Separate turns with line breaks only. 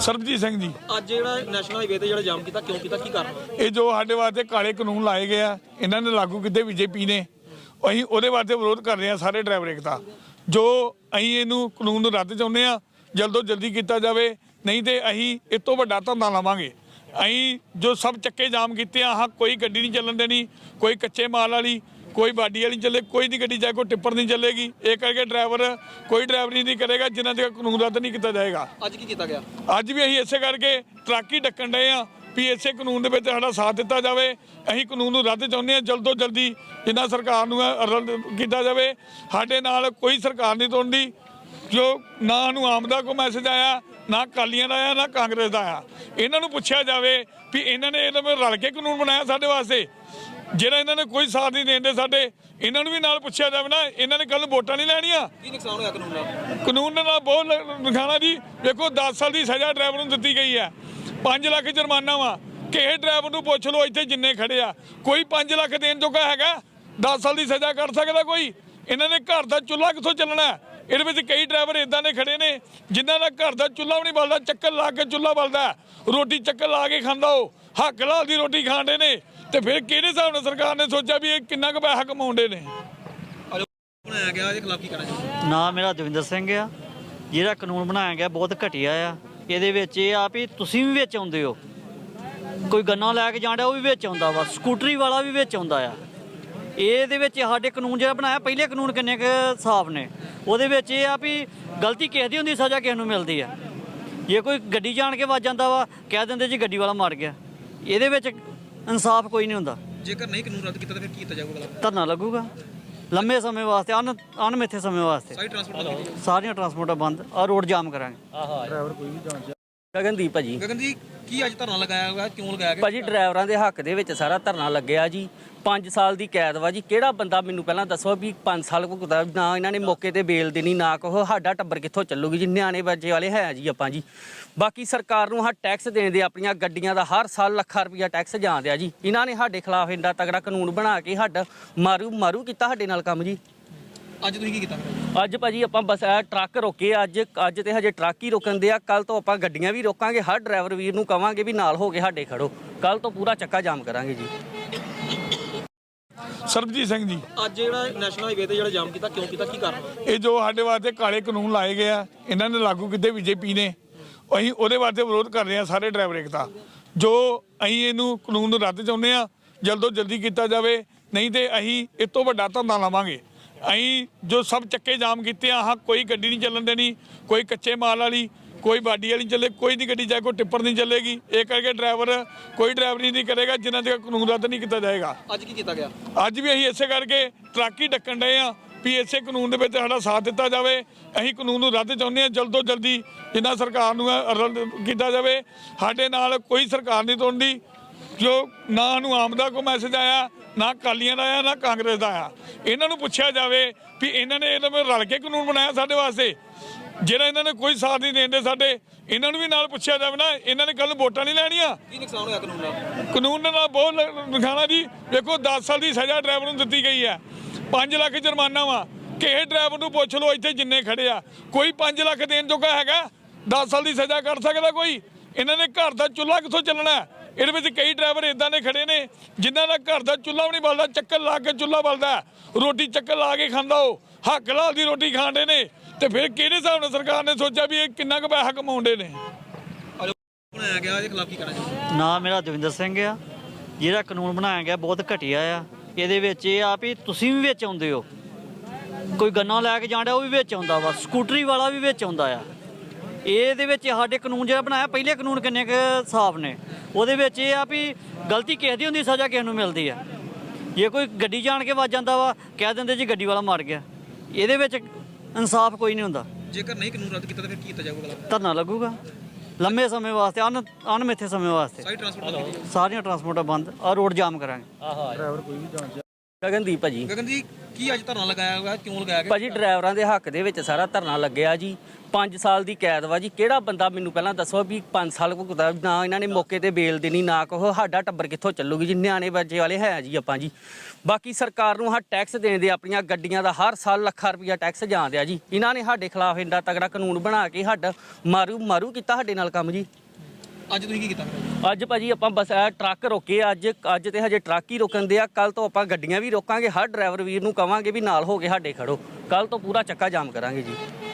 ਸਰਬਜੀਤ ਸਿੰਘ ਜੀ।
ਅੱਜ ਜਿਹੜਾ ਨੈਸ਼ਨਲ ਹਾਈਵੇ ਤੇ ਜਿਹੜਾ ਜਾਮ ਕੀਤਾ ਕਿਉਂ ਕੀਤਾ, ਕੀ ਕਾਰਨ?
ਇਹ ਜੋ ਸਾਡੇ ਵਾਸਤੇ ਕਾਲੇ ਕਾਨੂੰਨ ਲਾਏ ਗਏ ਆ, ਇਹਨਾਂ ਨੇ ਲਾਗੂ ਕੀਤੇ ਬੀਜੇਪੀ ਨੇ, ਅਸੀਂ ਉਹਦੇ ਵਾਸਤੇ ਵਿਰੋਧ ਕਰ ਰਹੇ ਆ ਸਾਰੇ ਡਰਾਈਵਰ ਏਕਤਾ। ਜੋ ਅਸੀਂ ਇਹਨੂੰ ਕਾਨੂੰਨ ਨੂੰ ਰੱਦ ਚਾਹੁੰਦੇ ਆ, ਜਲਦੋਂ ਜਲਦੀ ਕੀਤਾ ਜਾਵੇ, ਨਹੀਂ ਤੇ ਅਸੀਂ ਇਸ ਤੋਂ ਵੱਡਾ ਧਰਨਾ ਲਾਵਾਂਗੇ। ਅਸੀਂ ਜੋ ਸਭ ਚੱਕੇ ਜਾਮ ਕੀਤੇ ਆ, ਹਾਂ ਕੋਈ ਗੱਡੀ ਨਹੀਂ ਚੱਲਣ ਦੇਣੀ, ਕੋਈ ਕੱਚੇ ਮਾਲ ਵਾਲੀ, ਕੋਈ ਬਾਡੀ ਵਾਲੀ ਚੱਲੇ, ਕੋਈ ਨਹੀਂ ਗੱਡੀ, ਚਾਹੇ ਕੋਈ ਟਿੱਪਰ ਨਹੀਂ ਚੱਲੇਗੀ। ਇਹ ਕਰਕੇ ਡਰਾਈਵਰ ਕੋਈ ਡਰਾਈਵਰੀ ਨਹੀਂ ਕਰੇਗਾ ਜਿਨ੍ਹਾਂ ਤੱਕ ਕਾਨੂੰਨ ਰੱਦ ਨਹੀਂ ਕੀਤਾ ਜਾਏਗਾ।
ਅੱਜ ਕੀ ਕੀਤਾ ਗਿਆ?
ਅੱਜ ਵੀ ਅਸੀਂ ਇਸੇ ਕਰਕੇ ਟਰੱਕ ਹੀ ਡੱਕਣ ਡਏ ਆ ਵੀ ਇਸੇ ਕਾਨੂੰਨ ਦੇ ਵਿੱਚ ਸਾਡਾ ਸਾਥ ਦਿੱਤਾ ਜਾਵੇ। ਅਸੀਂ ਕਾਨੂੰਨ ਨੂੰ ਰੱਦ ਚਾਹੁੰਦੇ ਹਾਂ, ਜਲਦ ਤੋਂ ਜਲਦੀ ਜਿੰਨਾ ਸਰਕਾਰ ਨੂੰ ਰੱਦ ਕੀਤਾ ਜਾਵੇ। ਸਾਡੇ ਨਾਲ ਕੋਈ ਸਰਕਾਰ ਨਹੀਂ ਤੋੜਦੀ, ਜੋ ਨਾ ਨੂੰ ਆਮ ਦਾ ਕੋਈ ਮੈਸੇਜ ਆਇਆ, ਨਾ ਅਕਾਲੀਆਂ ਦਾ ਆਇਆ, ਨਾ ਕਾਂਗਰਸ ਦਾ ਆਇਆ। ਇਹਨਾਂ ਨੂੰ ਪੁੱਛਿਆ ਜਾਵੇ ਵੀ ਇਹਨਾਂ ਨੇ ਇਹਦੇ ਵਿੱਚ ਰਲ ਕੇ ਕਾਨੂੰਨ ਬਣਾਇਆ ਸਾਡੇ ਵਾਸਤੇ, ਜਿਹੜਾ ਇਹਨਾਂ ਨੇ ਕੋਈ ਸਾਥ ਨਹੀਂ ਦੇਂਦੇ ਸਾਡੇ। ਇਹਨਾਂ ਨੂੰ ਵੀ ਨਾਲ ਪੁੱਛਿਆ ਜਾਵੇ ਨਾ, ਇਹਨਾਂ ਨੇ ਕੱਲ ਵੋਟਾਂ ਨਹੀਂ ਲੈਣੀਆਂ।
ਕੀ ਨੁਕਸਾਨ ਹੋਇਆ ਕਾਨੂੰਨ ਨਾਲ?
ਕਾਨੂੰਨ ਦੇ ਨਾਲ ਬਹੁਤ ਨੁਕਸਾਨ ਜੀ। ਵੇਖੋ 10 ਸਾਲ ਦੀ ਸਜ਼ਾ ਡਰਾਈਵਰ ਨੂੰ ਦਿੱਤੀ ਗਈ ਹੈ, 5 ਲੱਖ ਜੁਰਮਾਨਾ ਵਾ। ਕਿਸੇ ਡਰਾਈਵਰ ਨੂੰ ਪੁੱਛ ਲਓ ਇੱਥੇ ਜਿੰਨੇ ਖੜੇ ਆ, ਕੋਈ 5 ਲੱਖ ਦੇਣ ਜੋਗਾ ਹੈਗਾ? 10 ਸਾਲ ਦੀ ਸਜ਼ਾ ਕਰ ਸਕਦਾ ਕੋਈ? ਇਹਨਾਂ ਨੇ ਘਰ ਦਾ ਚੁੱਲ੍ਹਾ ਕਿੱਥੋਂ ਚੱਲਣਾ? ਇਹਦੇ ਵਿੱਚ ਕਈ ਡਰਾਈਵਰ ਇਦਾਂ ਦੇ ਖੜੇ ਨੇ ਜਿਨ੍ਹਾਂ ਦਾ ਘਰ ਦਾ ਚੁੱਲ੍ਹਾ ਵੀ ਨਹੀਂ ਬਲਦਾ, ਚੱਕਰ ਲਾ ਕੇ ਚੁੱਲ੍ਹਾ ਬਲਦਾ, ਰੋਟੀ ਚੱਕਰ ਲਾ ਕੇ ਖਾਂਦਾ, ਉਹ ਹੱਕ ਲਾਲ ਦੀ ਰੋਟੀ ਖਾਂਦੇ ਨੇ। ਤੇ ਫਿਰ ਕਿਹੜੇ ਹਿਸਾਬ ਨਾਲ ਸਰਕਾਰ ਨੇ ਸੋਚਿਆ ਵੀ ਇਹ ਕਿੰਨਾ ਕੁ ਪੈਸਾ ਕਮਾਉਂਦੇ ਨੇ?
ਬਣਾਇਆ ਗਿਆ ਇਹਦੇ ਖਿਲਾਫ ਕੀ ਕਰਨਾ ਚਾਹੀਦਾ?
ਨਾ ਮੇਰਾ ਦਵਿੰਦਰ ਸਿੰਘ ਆ। ਜਿਹੜਾ ਕਾਨੂੰਨ ਬਣਾਇਆ ਗਿਆ ਬਹੁਤ ਘਟੀਆ ਆ। ਇਹਦੇ ਵਿੱਚ ਇਹ ਆ ਵੀ ਤੁਸੀਂ ਵੀ ਵਿੱਚ ਆਉਂਦੇ ਹੋ, ਕੋਈ ਗੰਨਾ ਲੈ ਕੇ ਜਾਂਦਾ ਉਹ ਵੀ ਵਿੱਚ ਆਉਂਦਾ ਵਾ, ਸਕੂਟਰੀ ਵਾਲਾ ਵੀ ਵਿੱਚ ਆਉਂਦਾ ਆ। ਇਹਦੇ ਵਿੱਚ ਸਾਡੇ ਕਾਨੂੰਨ ਜਿਹੜਾ ਬਣਾਇਆ, ਪਹਿਲੇ ਕਾਨੂੰਨ ਕਿੰਨੇ ਕੁ ਸਾਫ਼ ਨੇ। ਉਹਦੇ ਵਿੱਚ ਇਹ ਆ ਵੀ ਗਲਤੀ ਕਿਸੇ ਦੀ ਹੁੰਦੀ, ਸਜ਼ਾ ਕਿਸੇ ਨੂੰ ਮਿਲਦੀ ਆ। ਜੇ ਕੋਈ ਗੱਡੀ ਜਾਣ ਕੇ ਵੱਜ ਜਾਂਦਾ ਵਾ, ਕਹਿ ਦਿੰਦੇ ਜੀ ਗੱਡੀ ਵਾਲਾ ਮਰ ਗਿਆ। ਇਹਦੇ ਵਿੱਚ ਇਨਸਾਫ ਕੋਈ ਨਹੀਂ ਹੁੰਦਾ।
ਜੇਕਰ ਨਹੀਂ ਕਾਨੂੰਨ ਰੱਦ ਕੀਤਾ ਤਾਂ ਫਿਰ ਕੀ ਕੀਤਾ ਜਾਊਗਾ?
ਧਰਨਾ ਲੱਗੂਗਾ ਲੰਮੇ ਸਮੇਂ ਵਾਸਤੇ, ਅਣਮਿੱਥੇ ਸਮੇਂ ਵਾਸਤੇ।
ਸਾਰੀ ਟਰਾਂਸਪੋਰਟ
ਸਾਰੀਆਂ ਟਰਾਂਸਪੋਰਟਾਂ ਬੰਦ, ਆ ਰੋਡ ਜਾਮ ਕਰਾਂਗੇ।
ਗਗਨਦੀਪ ਭਾਜੀ।
ਗਗਨ ਜੀ, ਕੀ ਅੱਜ ਧਰਨਾ ਲਗਾਇਆ ਹੋਇਆ, ਕਿਉਂ ਲਗਾਇਆ ਗਿਆ?
ਭਾਜੀ ਡਰਾਈਵਰਾਂ ਦੇ ਹੱਕ ਦੇ ਵਿੱਚ ਸਾਰਾ ਧਰਨਾ ਲੱਗਿਆ ਜੀ। 5 ਸਾਲ ਦੀ ਕੈਦ ਵਾ ਜੀ। ਕਿਹੜਾ ਬੰਦਾ ਮੈਨੂੰ ਪਹਿਲਾਂ ਦੱਸੋ ਵੀ 5 ਸਾਲ ਭੁਗਤਾ? ਨਾ ਇਹਨਾਂ ਨੇ ਮੌਕੇ ਤੇ ਬੇਲ ਦੇਣੀ, ਨਾ ਕੋ ਸਾਡਾ ਟੱਬਰ ਕਿੱਥੋਂ ਚੱਲੂਗੀ ਜੀ? ਨਿਆਣੇ ਬੱਚੇ ਵਾਲੇ ਹੈ ਜੀ ਆਪਾਂ ਜੀ। ਬਾਕੀ ਸਰਕਾਰ ਨੂੰ ਟੈਕਸ ਦੇਣ ਆਪਣੀਆਂ ਗੱਡੀਆਂ ਦਾ ਹਰ ਸਾਲ ਲੱਖਾਂ ਰੁਪਈਆ ਟੈਕਸ ਜਾਂਦਿਆ ਜੀ। ਇਹਨਾਂ ਨੇ ਸਾਡੇ ਖਿਲਾਫ ਇੰਨਾ ਤਗੜਾ ਕਾਨੂੰਨ ਬਣਾ ਕੇ ਸਾਡਾ ਮਾਰੂ ਕੀਤਾ ਸਾਡੇ ਨਾਲ ਕੰਮ ਜੀ।
ਅੱਜ ਤੁਸੀਂ ਕੀ ਕੀਤਾ?
ਅੱਜ ਭਾਜੀ ਆਪਾਂ ਬਸ ਇਹ ਟਰੱਕ ਰੋਕੇ ਅੱਜ ਤੇ ਹਜੇ ਟਰੱਕ ਹੀ ਰੋਕਣ ਦੇ ਆ। ਕੱਲ ਤੋਂ ਆਪਾਂ ਗੱਡੀਆਂ ਵੀ ਰੋਕਾਂਗੇ। ਹਰ ਡਰਾਈਵਰ ਵੀਰ ਨੂੰ ਕਵਾਂਗੇ ਵੀ ਨਾਲ ਹੋ ਕੇ ਸਾਡੇ ਖੜੋ। ਕੱਲ ਤੋਂ ਪੂਰਾ ਚੱਕਾ ਜਾਮ ਕਰਾਂਗੇ ਜੀ।
ਸਰਬਜੀਤ ਸਿੰਘ ਜੀ।
ਅੱਜ ਜਿਹੜਾ ਨੈਸ਼ਨਲ ਹਾਈਵੇ ਤੇ ਜਿਹੜਾ ਜਾਮ ਕੀਤਾ ਕਿਉਂ ਕੀਤਾ, ਕੀ ਕਾਰਨ?
ਇਹ ਜੋ ਸਾਡੇ ਵਾਸਤੇ ਕਾਲੇ ਕਾਨੂੰਨ ਲਾਏ ਗਏ ਆ, ਇਹਨਾਂ ਨੇ ਲਾਗੂ ਕੀਤੇ ਬੀਜੇਪੀ ਨੇ, ਅਸੀਂ ਉਹਦੇ ਵਾਸਤੇ ਵਿਰੋਧ ਕਰ ਰਹੇ ਆ ਸਾਰੇ ਡਰਾਈਵਰ ਏਕਤਾ। ਜੋ ਅਸੀਂ ਇਹਨੂੰ ਕਾਨੂੰਨ ਨੂੰ ਰੱਦ ਚਾਹੁੰਦੇ ਆ, ਜਲਦੋਂ ਜਲਦੀ ਕੀਤਾ ਜਾਵੇ, ਨਹੀਂ ਤੇ ਅਸੀਂ ਇਸ ਤੋਂ ਵੱਡਾ ਧਰਨਾ ਲਾਵਾਂਗੇ। ਅਸੀਂ ਜੋ ਸਭ ਚੱਕੇ ਜਾਮ ਕੀਤੇ ਆ, ਹਾਂ ਕੋਈ ਗੱਡੀ ਨਹੀਂ ਚੱਲਣ ਦੇਣੀ, ਕੋਈ ਕੱਚੇ ਮਾਲ ਵਾਲੀ, ਕੋਈ ਬਾਡੀ ਵਾਲੀ ਚੱਲੇ, ਕੋਈ ਨਹੀਂ ਗੱਡੀ, ਚਾਹੇ ਕੋਈ ਟਿੱਪਰ ਨਹੀਂ ਚੱਲੇਗੀ। ਇਹ ਕਰਕੇ ਡਰਾਈਵਰ ਕੋਈ ਡਰਾਈਵਰੀ ਨਹੀਂ ਕਰੇਗਾ ਜਿਨ੍ਹਾਂ ਤੱਕ ਕਾਨੂੰਨ ਰੱਦ ਨਹੀਂ ਕੀਤਾ ਜਾਏਗਾ।
ਅੱਜ ਕੀ ਕੀਤਾ ਗਿਆ?
ਅੱਜ ਵੀ ਅਸੀਂ ਇਸੇ ਕਰਕੇ ਟਰੱਕ ਹੀ ਡੱਕਣ ਡਏ ਆ ਵੀ ਇਸੇ ਕਾਨੂੰਨ ਦੇ ਵਿੱਚ ਸਾਡਾ ਸਾਥ ਦਿੱਤਾ ਜਾਵੇ। ਅਸੀਂ ਕਾਨੂੰਨ ਨੂੰ ਰੱਦ ਚਾਹੁੰਦੇ ਹਾਂ, ਜਲਦ ਤੋਂ ਜਲਦੀ ਜਿੰਨਾ ਸਰਕਾਰ ਨੂੰ ਰੱਦ ਕੀਤਾ ਜਾਵੇ। ਸਾਡੇ ਨਾਲ ਕੋਈ ਸਰਕਾਰ ਨਹੀਂ ਤੋੜਦੀ, ਜੋ ਨਾ ਨੂੰ ਆਮ ਦਾ ਕੋਈ ਮੈਸੇਜ ਆਇਆ, ਨਾ ਅਕਾਲੀਆਂ ਦਾ ਆਇਆ, ਨਾ ਕਾਂਗਰਸ ਦਾ ਆਇਆ। ਇਹਨਾਂ ਨੂੰ ਪੁੱਛਿਆ ਜਾਵੇ ਵੀ ਇਹਨਾਂ ਨੇ ਇਹਦੇ ਵਿੱਚ ਰਲ ਕੇ ਕਾਨੂੰਨ ਬਣਾਇਆ ਸਾਡੇ ਵਾਸਤੇ, ਜਿਹੜਾ ਇਹਨਾਂ ਨੇ ਕੋਈ ਸਾਥ ਨਹੀਂ ਦੇਂਦੇ ਸਾਡੇ। ਇਹਨਾਂ ਨੂੰ ਵੀ ਨਾਲ ਪੁੱਛਿਆ ਜਾਵੇ ਨਾ, ਇਹਨਾਂ ਨੇ ਕੱਲ ਵੋਟਾਂ ਨਹੀਂ ਲੈਣੀਆਂ।
ਕੀ ਨੁਕਸਾਨ ਹੋਇਆ ਕਾਨੂੰਨ ਨਾਲ?
ਕਾਨੂੰਨ ਦੇ ਨਾਲ ਬਹੁਤ ਨੁਕਸਾਨ ਜੀ। ਵੇਖੋ 10 ਸਾਲ ਦੀ ਸਜ਼ਾ ਡਰਾਈਵਰ ਨੂੰ ਦਿੱਤੀ ਗਈ ਹੈ, 5 ਲੱਖ ਜੁਰਮਾਨਾ ਵਾ। ਕਿਸੇ ਡਰਾਈਵਰ ਨੂੰ ਪੁੱਛ ਲਓ ਇੱਥੇ ਜਿੰਨੇ ਖੜੇ ਆ, ਕੋਈ 5 ਲੱਖ ਦੇਣ ਜੋਗਾ ਹੈਗਾ? 10 ਸਾਲ ਦੀ ਸਜ਼ਾ ਕਰ ਸਕਦਾ ਕੋਈ? ਇਹਨਾਂ ਨੇ ਘਰ ਦਾ ਚੁੱਲ੍ਹਾ ਕਿੱਥੋਂ ਚੱਲਣਾ? ਇਹਦੇ ਵਿੱਚ ਕਈ ਡਰਾਈਵਰ ਇਦਾਂ ਦੇ ਖੜੇ ਨੇ ਜਿਨ੍ਹਾਂ ਦਾ ਘਰ ਦਾ ਚੁੱਲ੍ਹਾ ਵੀ ਨਹੀਂ ਬਲਦਾ, ਚੱਕਰ ਲਾ ਕੇ ਚੁੱਲ੍ਹਾ ਬਲਦਾ, ਰੋਟੀ ਚੱਕਰ ਲਾ ਕੇ ਖਾਂਦਾ, ਉਹ ਹੱਕ ਲਾਲ ਦੀ ਰੋਟੀ ਖਾਂਦੇ ਨੇ। ਤੇ ਫਿਰ ਕਿਹੜੇ ਹਿਸਾਬ ਨਾਲ ਸਰਕਾਰ ਨੇ ਸੋਚਿਆ ਵੀ ਇਹ ਕਿੰਨਾ ਕੁ ਪੈਸਾ ਕਮਾਉਂਦੇ ਨੇ?
ਬਣਾਇਆ ਗਿਆ ਇਹਦੇ ਖਿਲਾਫ ਕੀ ਕਰਨਾ ਚਾਹੀਦਾ?
ਨਾ ਮੇਰਾ ਦਵਿੰਦਰ ਸਿੰਘ ਆ। ਜਿਹੜਾ ਕਾਨੂੰਨ ਬਣਾਇਆ ਗਿਆ ਬਹੁਤ ਘਟੀਆ ਆ। ਇਹਦੇ ਵਿੱਚ ਇਹ ਆ ਵੀ ਤੁਸੀਂ ਵੀ ਵਿੱਚ ਆਉਂਦੇ ਹੋ, ਕੋਈ ਗੰਨਾ ਲੈ ਕੇ ਜਾਂਦਾ ਉਹ ਵੀ ਵਿੱਚ ਆਉਂਦਾ ਵਾ, ਸਕੂਟਰੀ ਵਾਲਾ ਵੀ ਵਿੱਚ ਆਉਂਦਾ ਆ। ਇਹਦੇ ਵਿੱਚ ਸਾਡੇ ਕਾਨੂੰਨ ਜਿਹੜਾ ਬਣਾਇਆ, ਪਹਿਲੇ ਕਾਨੂੰਨ ਕਿੰਨੇ ਕੁ ਸਾਫ਼ ਨੇ। ਉਹਦੇ ਵਿੱਚ ਇਹ ਆ ਵੀ ਗਲਤੀ ਕਿਸੇ ਦੀ ਹੁੰਦੀ, ਸਜ਼ਾ ਕਿਸੇ ਨੂੰ ਮਿਲਦੀ ਆ। ਜੇ ਕੋਈ ਗੱਡੀ ਜਾਣ ਕੇ ਵੱਜ ਜਾਂਦਾ ਵਾ, ਕਹਿ ਦਿੰਦੇ ਜੀ ਗੱਡੀ ਵਾਲਾ ਮਰ ਗਿਆ। ਇਹਦੇ ਵਿੱਚ ਇਨਸਾਫ ਕੋਈ ਨਹੀਂ ਹੁੰਦਾ।
ਜੇਕਰ ਨਹੀਂ ਕਾਨੂੰਨ ਰੱਦ ਕੀਤਾ ਤਾਂ ਫਿਰ ਕੀ ਕੀਤਾ ਜਾਊਗਾ?
ਧਰਨਾ ਲੱਗੂਗਾ ਲੰਮੇ ਸਮੇਂ ਵਾਸਤੇ, ਅਣਮਿੱਥੇ ਸਮੇਂ ਵਾਸਤੇ।
ਸਾਰੀ ਟਰਾਂਸਪੋਰਟ
ਸਾਰੀਆਂ ਟਰਾਂਸਪੋਰਟਾਂ ਬੰਦ, ਆ ਰੋਡ ਜਾਮ ਕਰਾਂਗੇ।
ਗਗਨਦੀਪ ਭਾਜੀ।
ਗਗਨ ਜੀ, ਕੀ ਅੱਜ ਧਰਨਾ ਲਗਾਇਆ ਹੋਇਆ ਕਿਉਂ ਲਗਾਇਆ ਗਿਆ?
ਭਾਜੀ ਡਰਾਈਵਰਾਂ ਦੇ ਹੱਕ ਦੇ ਵਿੱਚ ਸਾਰਾ ਧਰਨਾ ਲੱਗਿਆ ਜੀ 5 ਸਾਲ ਦੀ ਕੈਦ ਵਾ ਜੀ। ਕਿਹੜਾ ਬੰਦਾ ਮੈਨੂੰ ਪਹਿਲਾਂ ਦੱਸੋ ਵੀ 5 ਸਾਲ ਭੁਗਤਦਾ, ਨਾ ਇਹਨਾਂ ਨੇ ਮੌਕੇ ਤੇ ਬੇਲ ਦੇਣੀ, ਨਾ ਕੋ ਸਾਡਾ ਟੱਬਰ ਕਿੱਥੋਂ ਚੱਲੂਗੀ ਜੀ। ਨਿਆਣੇ ਬੱਚੇ ਵਾਲੇ ਹੈ ਜੀ ਆਪਾਂ ਜੀ। ਬਾਕੀ ਸਰਕਾਰ ਨੂੰ ਟੈਕਸ ਦੇਣ ਦੇ, ਆਪਣੀਆਂ ਗੱਡੀਆਂ ਦਾ ਹਰ ਸਾਲ ਲੱਖਾਂ ਰੁਪਈਆ ਟੈਕਸ ਜਾਂਦਿਆ ਜੀ। ਇਹਨਾਂ ਨੇ ਸਾਡੇ ਖਿਲਾਫ ਇੰਨਾ ਤਗੜਾ ਕਾਨੂੰਨ ਬਣਾ ਕੇ ਸਾਡਾ ਮਾਰੂ ਕੀਤਾ ਸਾਡੇ ਨਾਲ ਕੰਮ ਜੀ।
ਅੱਜ ਤੁਸੀਂ ਕੀ ਕੀਤਾ ਫਿਰ?
ਅੱਜ ਭਾਜੀ ਆਪਾਂ ਬਸ ਇਹ ਟਰੱਕ ਰੋਕੇ ਅੱਜ ਤੇ ਹਜੇ ਟਰੱਕ ਹੀ ਰੋਕਣ ਦੇ ਆ। ਕੱਲ ਤੋਂ ਆਪਾਂ ਗੱਡੀਆਂ ਵੀ ਰੋਕਾਂਗੇ। ਹਰ ਡਰਾਈਵਰ ਵੀਰ ਨੂੰ ਕਵਾਂਗੇ ਵੀ ਨਾਲ ਹੋ ਕੇ ਸਾਡੇ ਖੜੋ। ਕੱਲ ਤੋਂ ਪੂਰਾ ਚੱਕਾ ਜਾਮ ਕਰਾਂਗੇ ਜੀ।